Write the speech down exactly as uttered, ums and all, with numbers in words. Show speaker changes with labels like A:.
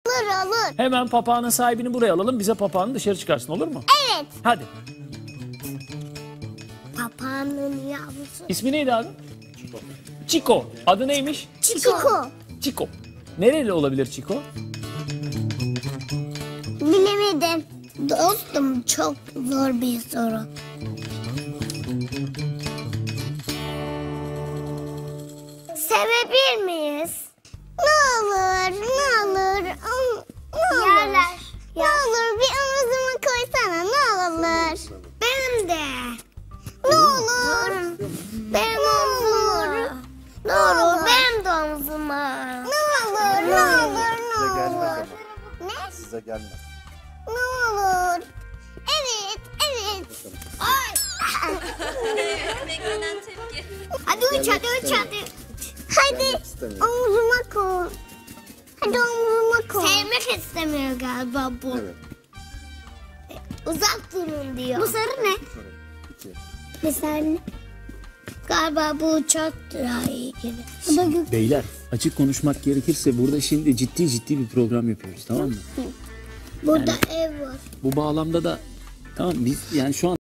A: Olur olur.
B: Hemen papağanın sahibini buraya alalım. Bize papağanı dışarı çıkarsın, olur mu?
A: Evet.
B: Hadi.
A: Papağanın yavrusu.
B: İsmi neydi abi? Chico. Adı neymiş?
A: Çiko.
B: Chico. Nereli olabilir Chico?
A: Bilemedim. Dostum çok zor bir soru. Sevebilir miyiz? Ne olur, ne olur, am- ne olur. Yerler. Ne olur bir omuzuma koysana, ne olur. Benim de. Ne olur. Benim omzuma. Ne olur, benim de omzuma. Ne olur, ne olur, ne
C: Size gelmez
A: olur.
C: ama.
A: Ne?
C: Size gelmez.
A: Ne olur. Evet, evet. Ay.
D: Beklenen tepki.
A: Hadi uç, hadi uç, hadi. Hadi
C: Gelmek istemiyor.
A: omzuma koy. Hadi omzuma koy. Sevmek istemiyor galiba bu.
C: Evet.
A: Uzak durun diyor. Bu sarı ne?
C: Sorun. İki.
A: Bir sarı ne? Galiba bu uçak daha iyi gelir. Bu da gök.
B: Beyler, açık konuşmak gerekirse burada şimdi ciddi ciddi bir program yapıyoruz, tamam mı?
A: Burada ev var.
B: Bu bağlamda da tamam biz yani şu an